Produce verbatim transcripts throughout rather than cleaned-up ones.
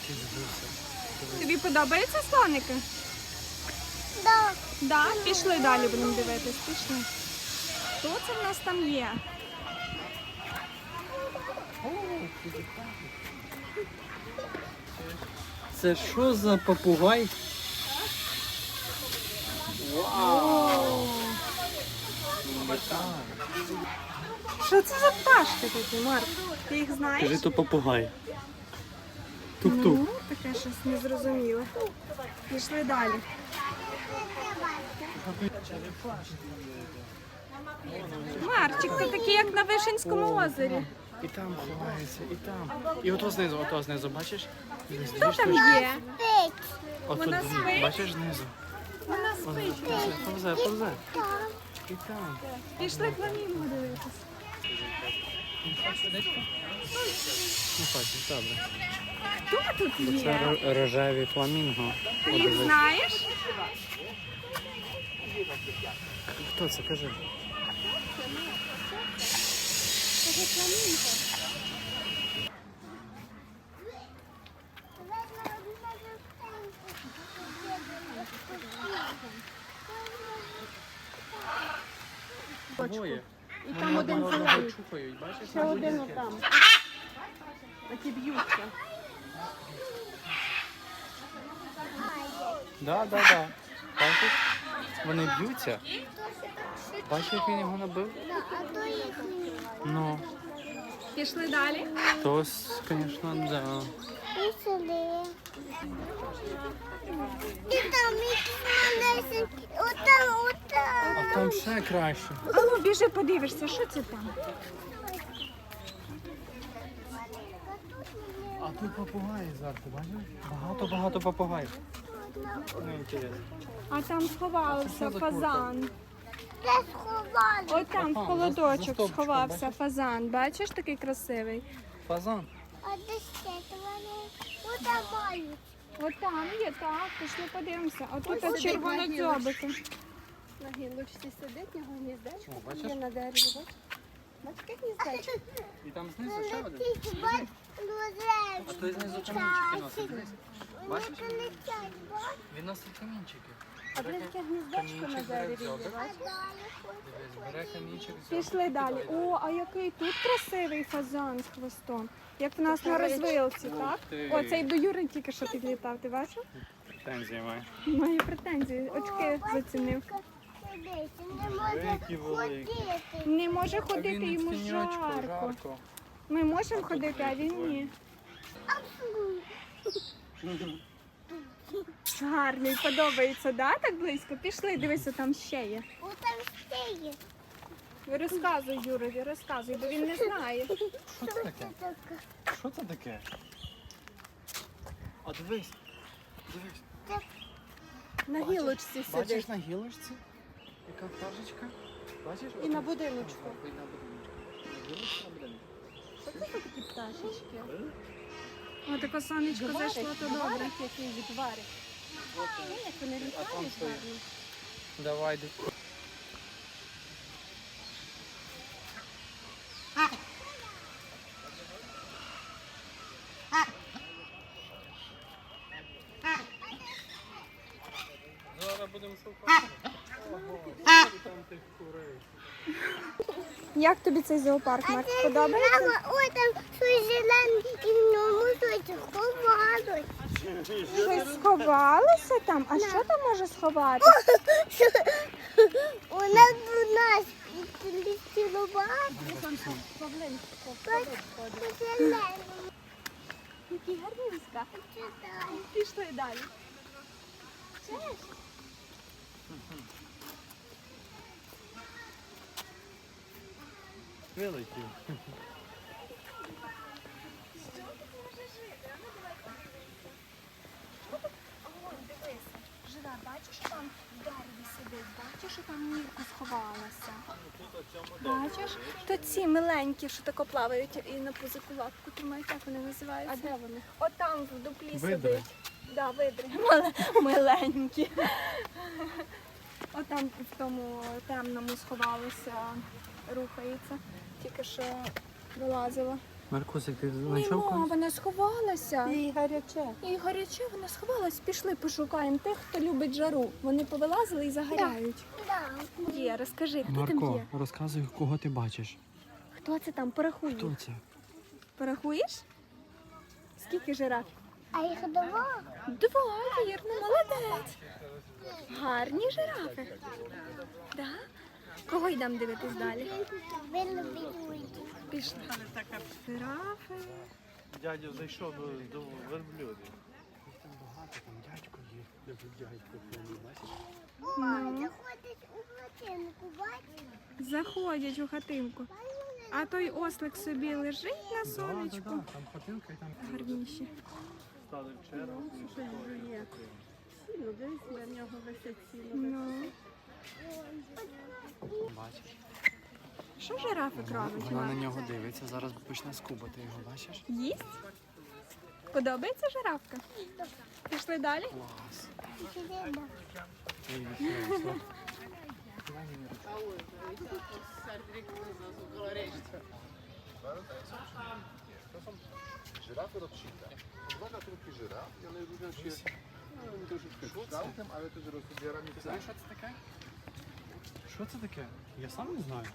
Тобі подобаються слоники? Да. Да? Пішли далі, будемо дивитись. Пішли. Хто це в нас там є? Це що за попугай? Вау! Що це за пташки такі, Марк? Ти їх знаєш? Кажи, то попугай. Тук-тук. Ну, таке щось незрозуміле. Пішли далі. Марчик, ти такий, як на Вишенському озері. І там ховається, і там. І ото знизу, ото знизу, бачиш? Хто там є? Пить. Ото Вона дві, спить? бачиш знизу? Вона спить. Повзе, повзе, повзе. Там. І там. Пішли фламінго дивитися. Ну, хочеш, добре. Хто тут Це є? ро- рожеві фламінго. Ти їх знаєш? Хто це, кажи? Двоє. І там один зелений. Чухають, бачиш? Ще один отам. А ті б'ються. Да, да, да. Бачиш? Вони б'ються. Бачиш, як він його набив? А то їх ні. Ну, Пішли далі. то, звісно, да. І сюди. І там їх малесенькі. Отам, отам. А там ще краще. А ну, біжи, подивишся, що це там? А тут попугаї зверху, бачиш? Багато-багато попугаїв. Ну, інтересно. А там сховався фазан. Де сховали? Ой, там в Ага, за- за холодочок стовпчиком, сховався бачиш? фазан. Бачиш, такий красивий? Фазан. А де ще вони? Отам мають. От там є, так, пішли подивимося. А тут Ось от сидить червонодзьобики. На гілочці сидить, його гніздечко О, бачиш? є на дереві, бачиш? Бачиш, яке гніздечко? І там знизу ще один. Ті ба- А той знизу камінчики носить. дивись. Бачиш? Вони летять, бачиш? Він носить камінчики. А де таке гніздечко на Камінчик дереві бере в є, дзьобик. бачиш? Дивись, бере камінчик. Пішли далі. О, а який тут красивий фазан з хвостом. Як в нас на розвилці, так? ти. О, цей до Юри тільки що підлітав, ти бачив? Претензії має. Має претензії, очки зацінив. Дивись, не може Великі, великі. ходити. Не може А ходити, він йому в тіньочку, жарко. жарко. Ми можемо ходити, а він ні. Гарний, подобається, да? Так близько? Пішли, дивися, там ще є. Отам ще є. Розказуй, Юрові, розказуй, бо він не знає. Що це таке? Що це таке? А дивись. Дивись. На гілочці сидить. Бачиш на гілочці? Яка пташечка? Бачиш? І на будиночку. І на будиночку. На гілочці, на будиночку. Що це за такі пташечки? О, таке сонечко зайшло, то добре. Гварик який відварик. Ну, як вони А там літають що є? гарно. Давай, йди. Зараз будемо шукати. Ого, там тих курей. Як тобі цей зоопарк, Марк? Подобається? Мама, ой, там щось зелене і в ньому щось ховалось. Щось сховалося там? А що там може сховатися? У нас до нас летіло багато. Зелене. Які гарнівська. Пішли далі. Вилетів. Живе, бачиш, що там в дереві сидить? Бачиш, що там мірку сховалася? Бачиш? То ці миленькі, що тако плавають і на пузику лапку тримають, як вони називаються? А де вони? От там в дуплі Видри. сидить. Да, видри. Мал- Миленькі. От там в тому темному сховалося, рухається. Тільки що вилазила. Маркусик, ти знайшов Нема, когось? вона сховалася. І гаряче. І гаряче, вона сховалась. Пішли пошукаємо тих, хто любить жару. Вони повилазили і загоряють. Да. Є, розкажи, хто там Марко, є? розказуй, кого ти бачиш. Хто це там? Порахуй. Хто це? Порахуєш? Скільки жираф? А їх два. Два, вірно, молодець. Гарні жирафи. Да? Кого йдемо дивитись далі? Велобідують. Пішли. Жирафи. Дядя зайшов до, до верблюдів. Там багато, там дядько є. Дядько, бачиш? О, заходить у хатинку, бачиш? Заходять у хатинку. А той ослик собі лежить на Да, сонечку. да, да, там хатинка і там. Гарніші. Стали в чергу. Щось жує. Сіло, дивись, на нього висить сіло. Ну. Бачиш? Що жирафик робить? Вона на Іван? нього дивиться, зараз почне скубати його, бачиш? Їсть? Подобається жирафка? Пішли далі? Клас. Сидимо. Ой, відкрився. Żyrafy rocznika. Dwa gatunki żyraf i one różnią się no, troszeczkę kształtem, ale też rozmiarami. Знаєш, що це таке? Що це таке? Я сам не знаю.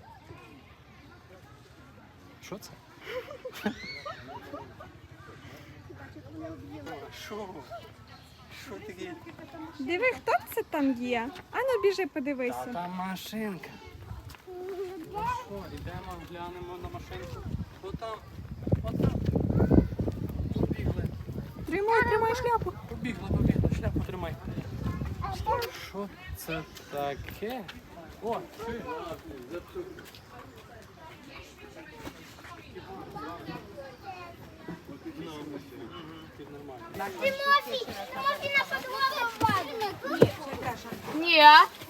Що це? Що? Що таке? Диви, хто це там є? Ану, біжи, подивися. Там машинка. Ну що, йдемо, глянемо на машинку. Отам, отам. Побігли. Тримай, тримай шляпу. Побігли, побігли, шляпу тримай. Що це таке? О, чуєш? Тимофій, Тимофій на фотографію впаде. Ні.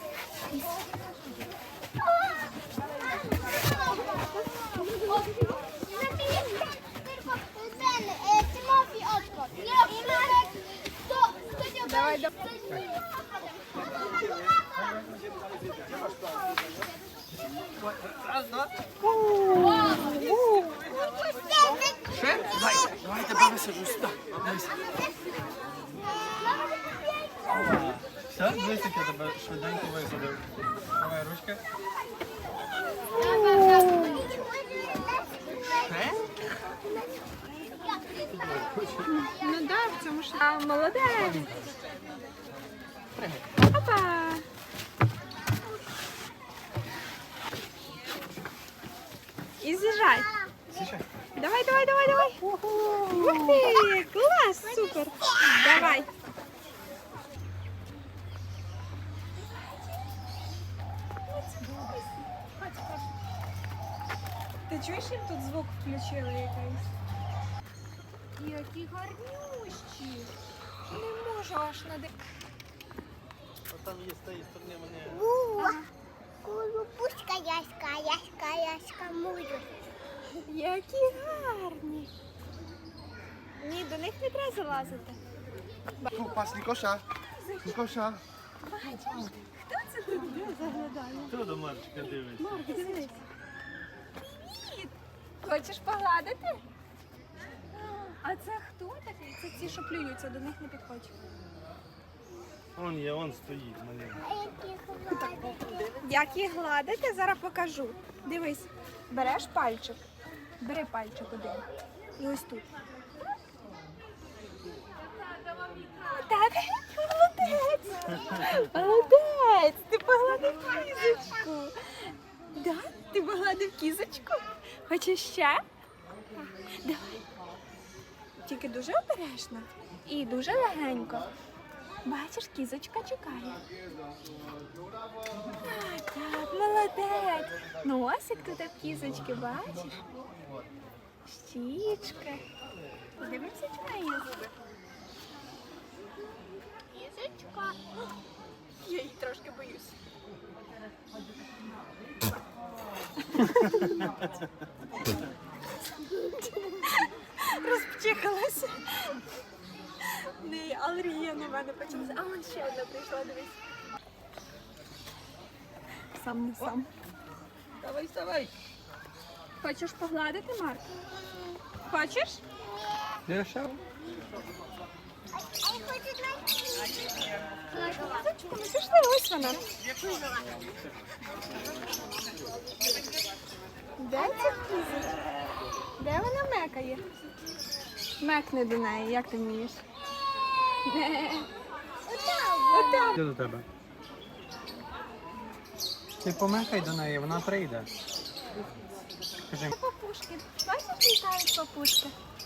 Тимофій, очко. І Марek, хто, хто тебе... Давай, давай. Ще? Давай, давай, тебе висаджу сюди. Все, дивись, як я тебе швиденько висадив. Давай ручки. Ну да, в цьому ж. А, молодець. Опа. І з'їжджай. Давай, давай, давай, давай. Ух ти, клас, супер. Давай. Ти чуєш, їм тут звук включили якийсь? Які гарнющі. Не можу аж нади... Там є з тієї сторони вони. Була. Колупушка яська, яська, яська, мую. Які гарні. Ні, до них не треба залазити. Tu, patrz, Nikosza. Nikosza. Хто до Марчика дивиться? Марк, дивись. Хочеш погладити? А це хто такий? Це ці, що плюються, до них не підходь. Он є, он стоїть на ньому. А які хватить? Як їх гладити, зараз покажу. Дивись, береш пальчик, бери пальчик один. І ось тут. Так, молодець. Молодець, ти погладив кізочку. Да? Ти погладив кізочку? Хочеш ще? Давай. Тільки дуже обережно і дуже легенько. Бачиш, кізочка чекає. Так, так, молодець. Носик тут в кізочки, бачиш? Щічки. Подивимося, чи вона є зуби. Кізочка. Я її трошки боюсь. Розпчихалася. Не, алергія на мене почалася. А вон ще одна прийшла, дивись. Сам не сам. Давай, вставай. Хочеш погладити, Марк? Хочеш? Дешево. А я хочу на Зайчику, ми пішли, ось вона. Де ця кізочка? Де вона мекає? Мекни до неї, як ти вмієш? Отам. Йди до тебе. Ти помахай до неї, вона прийде. Скажи. Папушки. Бачиш, літають папушки?